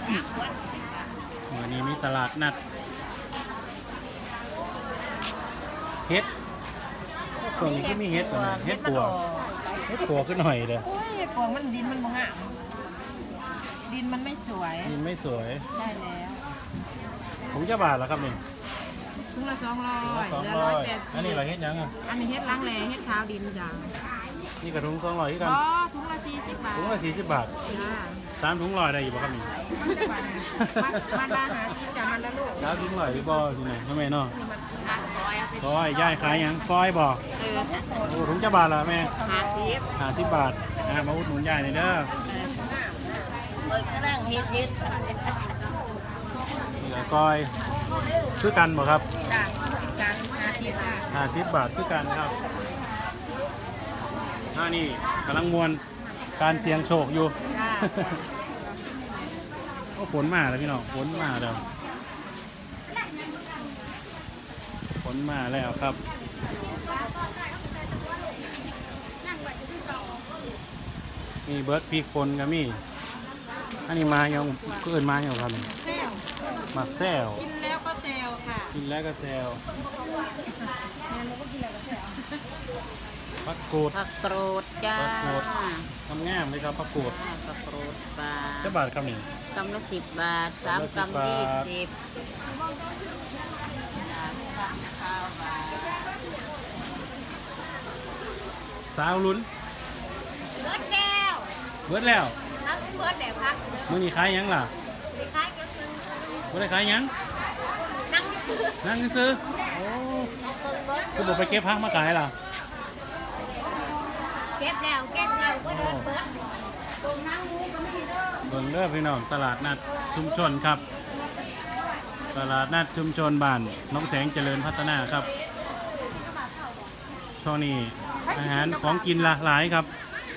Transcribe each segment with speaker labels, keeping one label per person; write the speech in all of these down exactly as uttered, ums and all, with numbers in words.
Speaker 1: วันนี้มีตลาดนัดเฮ็ดส่วนนี้ก็มีเฮ็ดเหมือนกันเฮ็ดปัวเฮ็ดปัวขึ้นหน่อยเด้อ
Speaker 2: โอ้ยเฮ็ดปัวมันดินมันบ่งามดินมันไม่สวย
Speaker 1: นี่ไม่สวย
Speaker 2: ได้แล้ว
Speaker 1: ถุงจะบาทแล้วครับนี่
Speaker 2: ถุงละสองร้อย
Speaker 1: สอง
Speaker 2: เหลือ
Speaker 1: ร้
Speaker 2: ร้
Speaker 1: อ
Speaker 2: อย
Speaker 1: ย
Speaker 2: แปดสิบ
Speaker 1: อันนี้เราเฮ็ดยังอ่ะ
Speaker 2: อันนี้เฮ็ดล้างแลเฮ็ดขาวดินจ้ะ
Speaker 1: นี่กระถุงสองร้อยที่กัน
Speaker 2: อ๋อถุงละสี่สิบบาท
Speaker 1: ถุงละสี่สิบบาท
Speaker 2: จ้า
Speaker 1: สามถุงร้อยได้อยู่ป่ะครับนี่
Speaker 2: มันมันละหาซื้อจ้ะมันละลูก
Speaker 1: แล้วถุงร้อยหรือบ่ที่ไหนทำไมเนาะ
Speaker 2: นี่มันละร้อย
Speaker 1: ซอยย่ายขายหยังซอยบ่
Speaker 2: เออ
Speaker 1: โอ้ถุงจะบาทละแม่
Speaker 2: หาสิบ
Speaker 1: ห้าสิบบาทอ่ามาอุดหนุนย่ายหน่อยเด้อ
Speaker 2: เปิดก็นั่งเฮ็ดเฮ็ด
Speaker 1: เหลือก้อยคือกันบ่ครับ
Speaker 2: จ้ะการหาสิบบาท
Speaker 1: ห้าสิบบาทคือกันครับอ่านี่กำลังมวนการเสี่ยงโชคอยู่
Speaker 2: จ้า
Speaker 1: ก็ฝนมาแล้วพี่น้องฝนมาแล้วฝนมาแล้วครับมีเบิร์ดพริกฝนก็มีอันนี้มายังก็เอินมาอย่างครับ
Speaker 2: เซล
Speaker 1: มาแซว
Speaker 2: กินแล้วก็เซลค่ะ
Speaker 1: กินแล้วก็แซวผักกูด
Speaker 3: ผักกรูดจ้า
Speaker 1: ผักกูด ทำง่ามเลยครับผักกูด
Speaker 3: ผักกรูดปลา
Speaker 1: เจ้าบาทครับนี่
Speaker 3: กำละสิบบาทสาม
Speaker 1: กำ
Speaker 3: กำ
Speaker 1: ละ
Speaker 3: ยี่
Speaker 1: สิบ
Speaker 3: สิบสามกำข้าวบาท
Speaker 1: สาวลุ้น
Speaker 3: เบิร์ดแก้ว
Speaker 1: เบิร์ดแล้ว
Speaker 3: ทั้งเบิร์ดแหลมพักเด้อ
Speaker 1: มื่อนี้ขายหยังล่ะ
Speaker 3: สิขายก็คือ
Speaker 1: ไม่ได้ขายหยัง
Speaker 3: นั่งซื้อ
Speaker 1: นั่งซื้อโอ้คือบอกไปเก็บพักมาขายล่ะ
Speaker 3: เก็บแล้วเก็บแล้วก็เดินเบิร์ดตรงนั่งงูก็ไม่เด้อ
Speaker 1: เบิ่งเด้อพี่น้องตลาดนัดชุมชนครับ ตลาดนัดชุมชนบ้านน้องแสงเจริญพัฒนาครับช่วงนี้อาหารของกินหลากหลายครับ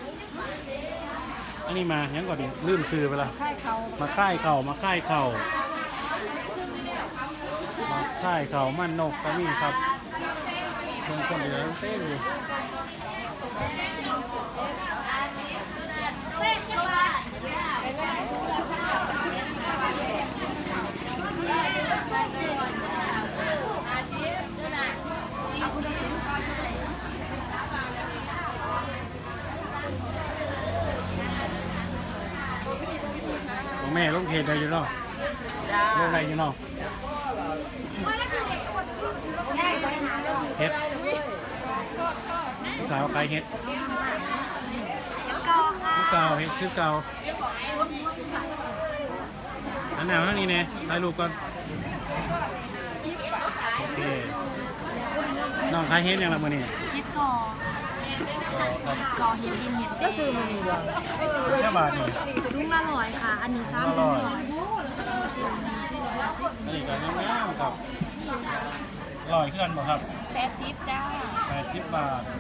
Speaker 1: อันนี้มายังก่อนดิลืมซื้อไปละ
Speaker 2: ไข่เขา
Speaker 1: มาค่ายเข่ามาค่ายเข่ามาค่ายเข่ามันนกก็มีครับเพิ่งคนเหลือเต้นอยู่แม่ลงเพจได้อยู่เนาะ
Speaker 3: จ้า
Speaker 1: ลงได้อยู่เนาะเฮ็ดสาวขายเฮ็ดคือเก่าเฮ็ดคือเก่าอันหนาวนั่นนี่เนี่ยถ่ายรูปก่อนโอเคน้องขายเฮ็ดยังละมื้อนี้
Speaker 4: เฮ็ดก่อก่อเฮ็ดดินเฮ็ดเต้ซื้อมาดีกว่า
Speaker 1: แค่บาทนี่
Speaker 4: ลุงละร้อยค่ะ อันนี้สาม
Speaker 1: อ
Speaker 4: ร้
Speaker 1: ร่
Speaker 4: อ
Speaker 1: อย
Speaker 4: ย
Speaker 1: อันนี้ก็งามๆครับอร่อยขึ้นบ่ครับ
Speaker 3: แปดสิบจ้า
Speaker 1: แปดสิบบาท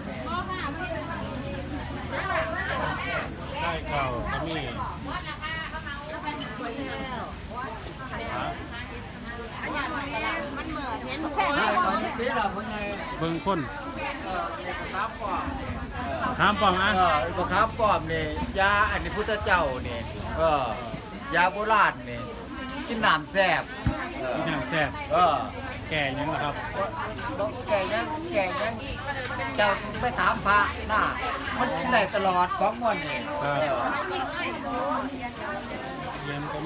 Speaker 1: ได้เก่าก็มีฮะ
Speaker 3: มันเหมือนเห็นหมู
Speaker 5: ได้ตอนนี้เราเพิ่งไง
Speaker 1: เบิ่งคน
Speaker 5: ครับปอม
Speaker 1: ถามปองอ่ะ
Speaker 5: เออไอ้ครับปอมนี่ยาอันนี้พุทธเจ้านี่เออยาโบราณนี่กินน้ำแซ่บเออ
Speaker 1: ที่ทางแซ่บ
Speaker 5: เออ
Speaker 1: แก่ยังล่ะครับ
Speaker 5: บ่แก่ยังแก่ยังเจ้าต้องไปถามพระน่ะมันกินได้ตลอดของมันนี่
Speaker 1: ครับ
Speaker 5: เออ
Speaker 1: เย็นก็มี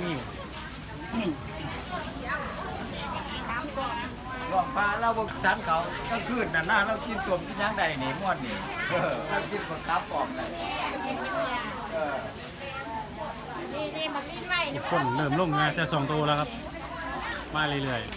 Speaker 5: หลวงพระเราบสันเขากลางคืนน่ะนะเรากินสมกินหยังได้นี่ม่วนนี่เออเรากินคนครับปอมได้เออ
Speaker 3: นี่นี่มากินไว้
Speaker 1: ทุกคนเริ่มลงงานจะสองตัวแล้วครับ มาเรื่อย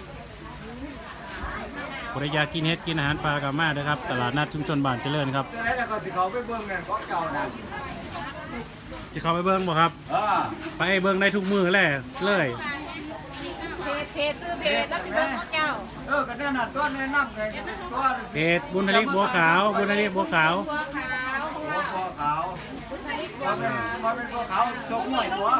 Speaker 1: ๆบริยากกินเฮ็ดกินอาหารปลากับมาเด้อครับ ตลาดนัดชุมชนบ้านเจริญครับ
Speaker 5: เจ้าไหนแล้วก็สิเขาไปเบิ่งนั่นของเก่านะ
Speaker 1: สิเข้าไปเบิ่งบ่ครับ
Speaker 5: เออ
Speaker 1: ไปเบิ่งได้ทุกมือแหละเลย
Speaker 2: เพจเพจซื้อเพจแล้วสิเบิ่งของเจ้า
Speaker 5: เออก็แน่นอนต้นแนะนำไงต้น
Speaker 1: เพจบุญทลิกบัวขาวบุญทลิกบัวขาว
Speaker 2: บัวขาว
Speaker 5: หัวบัวขาวพอเป็นพอเป็นบัวขาวชกหน่วยหัว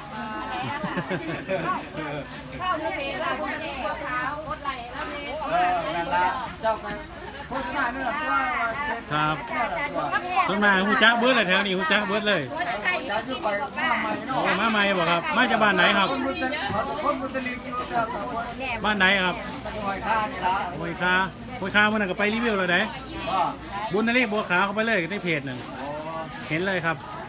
Speaker 2: เข้าในเพจแล้วบัวบัวขาวกดไลค์แล้วนี่
Speaker 5: เออนั่นละเจ้ากันโฆษณาเนี่ยตัว
Speaker 1: ครับ
Speaker 5: เนี่ยตัว
Speaker 1: ต้นมาหูจักเบิดเลยแถวนี้หูจักเบิดเลย
Speaker 5: เจ้าจะไปมาใหม่เนาะ
Speaker 1: โอ้มาใหม่บ่ครับ มาจากบ้านไหนครับ
Speaker 5: คนมุสลิมคนมุสลิมอยู่แต่กับคน
Speaker 1: บ้านไหนครับ
Speaker 5: หอยข้านี่ละ
Speaker 1: โอยคาโอยคาเมื่อนั้นก็ไปรีวิวเลยได้
Speaker 5: ก็
Speaker 1: บุญนเรศบัวขาวเข้าไปเลยในเพจนั่น
Speaker 5: โอ้
Speaker 1: เห็นเลยครับ
Speaker 5: โ